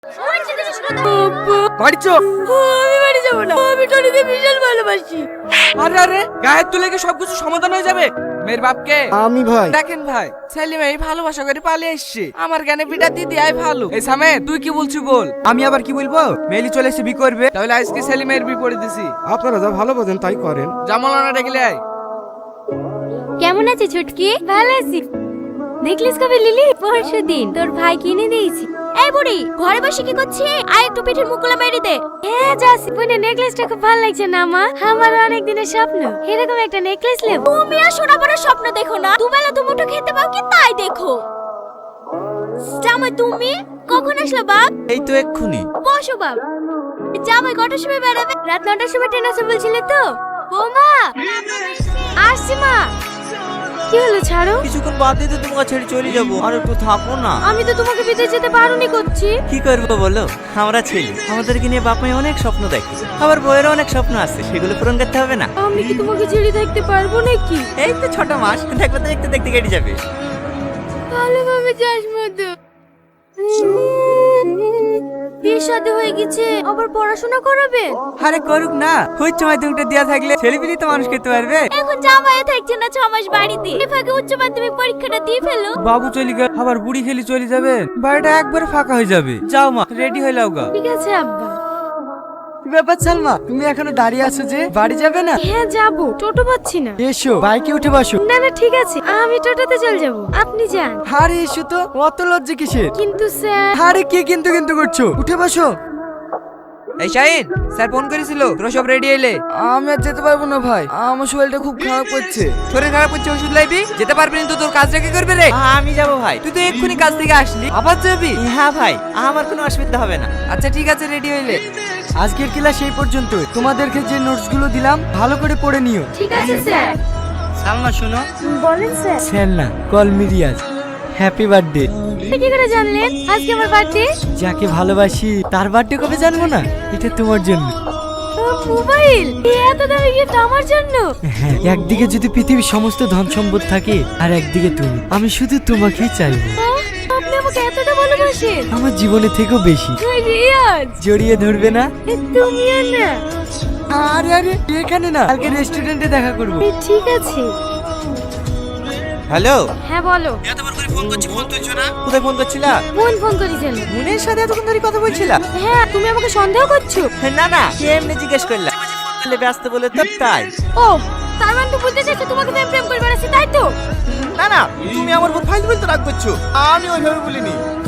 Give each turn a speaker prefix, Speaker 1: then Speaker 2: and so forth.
Speaker 1: বাড়ি চো।
Speaker 2: আমি বাড়ি যাবো না, আমি টনিকে বিশাল ভালোবাসি।
Speaker 1: আরে আরে গায়ের তুলে কি সবকিছু সমাধান হয়ে যাবে? মেয়ের বাপকে
Speaker 3: আমি ভাই
Speaker 1: দেখেন ভাই, ছেলে মেয়ে ভালোবাসা করে পালিয়ে এসছে, আমার জ্ঞানে বিটা দিদি আই ভালো। এই সামে তুই কি বলছিস বল।
Speaker 3: আমি আবার কি বলবো? মেলি চলে এসে বি করবে।
Speaker 1: তাহলে আজকে ছেলে মেয়ের বিপরীত দিছি।
Speaker 3: আপনারা যা ভালো বোঝেন তাই করেন।
Speaker 1: জামালানা ডেকে আয়।
Speaker 2: কেমন আছে ছুটকি? ভালো আছি। নেকলেস কবে লিলি? পরশু দিন তোর ভাই কিনে দিয়েছি। এই বুড়ি ঘরে বসে কি করছিস? আয় একটু পিঠের মুকুলা মেরে দে। হ্যাঁ যাচ্ছি। বোনের নেকলেসটা খুব ভালো লাগছে না মা? আমার অনেক দিনের স্বপ্ন এরকম একটা নেকলেস নেব। তুমি আর সোনা বড় স্বপ্ন দেখো না, দুবেলা দুমুঠো খেতে পাও কি তাই দেখো। জামাই তুমি কখন আসলো বাপ?
Speaker 3: এই তো এক্ষুনি।
Speaker 2: বসো বাপ। জামাই কটার সময় বেরাবে? রাত 9টার সময় ট্রেন আছে বলছিলে তো? বৌমা আসছি মা। কি হলো ছাড়ো?
Speaker 4: কিছুক্ষণ বাদ দিয়ে তো তোমাকে ছেড়ে চলে যাবো, আর একটু থাকো না।
Speaker 2: আমি তো তোমাকে বিদেশ যেতে বারণই করছি।
Speaker 4: কি করবো বলো, আমরা ছেলে, আমাদেরকে নিয়ে বাপ মাই অনেক স্বপ্ন দেখে, আবার বইয়েরও অনেক স্বপ্ন আছে, সেগুলো পূরণ করতে হবে না?
Speaker 2: আমি কি তোমাকে ছেড়ে থাকতে পারবো নাকি?
Speaker 4: এই তো 6 মাস দেখবে তো, দেখতে দেখতে কেটে যাবে।
Speaker 2: ভালোভাবে যাস মধু। বিয়ে শাদী হয়ে গেছে, আবার পড়াশোনা করাবে?
Speaker 3: আরে করুক না, উচ্চ মাধ্যমিকটা দেয়া থাকলে ছেলেপিলি তো মানুষ খেতে পারবে।
Speaker 2: এখন জামাইও থাকছে না 6 মাস বাড়িতে, এই ফাঁকে উচ্চ মাধ্যমিক পরীক্ষাটা দিয়ে ফেলো।
Speaker 3: বাবু চলে গেল, আবার বুড়ি খেলি চলে যাবে, বাড়িটা একবার ফাঁকা হয়ে যাবে। যাও মা, রেডি হয়ে লাও গা।
Speaker 2: ঠিক আছে আব্বা।
Speaker 3: ব্যাপার সালমা, তুমি এখনো দাঁড়িয়ে আছো যে, বাড়ি যাবে না?
Speaker 2: হ্যাঁ যাবো, টোটো পাচ্ছি না।
Speaker 3: এসো বাইকে উঠে বসো।
Speaker 2: না না ঠিক আছে, আমি টোটোতে চলে যাব, আপনি যান।
Speaker 3: আরে এসো তো, অত লজ্জা কিসের?
Speaker 2: কিন্তু স্যার।
Speaker 3: আরে কি কিন্তু কিন্তু করছো, উঠে বসো।
Speaker 1: এই শাহিন, স্যার ফোন করেছিল, তোরা সব রেডি হইলে?
Speaker 3: আমি আর যেতে পারবো না ভাই, আমার শরীরটা খুব খারাপ করছে।
Speaker 1: শরীর খারাপ হচ্ছে, ওষুধ লাইবি? যেতে পারবি না তো তোর কাজটা কি করবে রে?
Speaker 4: আমি যাবো ভাই।
Speaker 1: তুই তো এক্ষুনি কাজ থেকে আসলি, আবার যাবি?
Speaker 4: হ্যাঁ ভাই, আমার কোনো অসুবিধা হবে না।
Speaker 1: আচ্ছা ঠিক আছে, রেডি হইলে।
Speaker 3: আজকের ক্লাস এই পর্যন্ত। তোমাদেরকে যে নোটস গুলো দিলাম ভালো করে পড়ে নিও।
Speaker 2: ঠিক আছে স্যার।
Speaker 4: সালমা শোনো,
Speaker 2: বলেন স্যার।
Speaker 3: স্যার না, call me Riaz. Happy birthday.
Speaker 2: কি করে জানলেন আজকে আমার বার্থডে?
Speaker 3: যাকে ভালোবাসি তার বার্থডে কবে জানবো না? এটা তোমার জন্য।
Speaker 2: মোবাইল এত দামি গিফট আমার জন্য?
Speaker 3: হ্যাঁ, একদিকে যদি পৃথিবীর সমস্ত ধন সম্পদ থাকে আর একদিকে তুমি, আমি শুধু তোমাকেই চাইবো।
Speaker 2: আপনি আমাকে এতটা ভালোবাসেন?
Speaker 3: আমার জীবনে থেকেও বেশি।
Speaker 2: রিয়াজ
Speaker 3: জড়িয়ে ধরবে না?
Speaker 2: তুমিও না?
Speaker 3: আরে আরে এখানে না, কালকে রেস্টুরেন্টে দেখা করবো।
Speaker 2: ঠিক আছে।
Speaker 4: হ্যালো।
Speaker 2: হ্যাঁ বলো।
Speaker 4: এতবার করে ফোন করছি, ফোন তুলছো না? কোথায় ফোন করছিলা?
Speaker 2: বোন ফোন করেছিল।
Speaker 4: বোনের সাথে এতক্ষণ ধরে কথা বলছিলা?
Speaker 2: হ্যাঁ তুমি আমাকে সন্দেহ করছো?
Speaker 4: না না, এমনি জিজ্ঞেস করলাম, বলে ব্যস্ত বলে তো তাই।
Speaker 2: ও তার মানে তো বলতে চাইছো তোমাকে তো আমি প্রেম করে বেড়াচ্ছি তাই তো?
Speaker 4: না না, তুমি আমার উপর ফাইল বলতে রাগ করছো, আমি ওইভাবে বলিনি।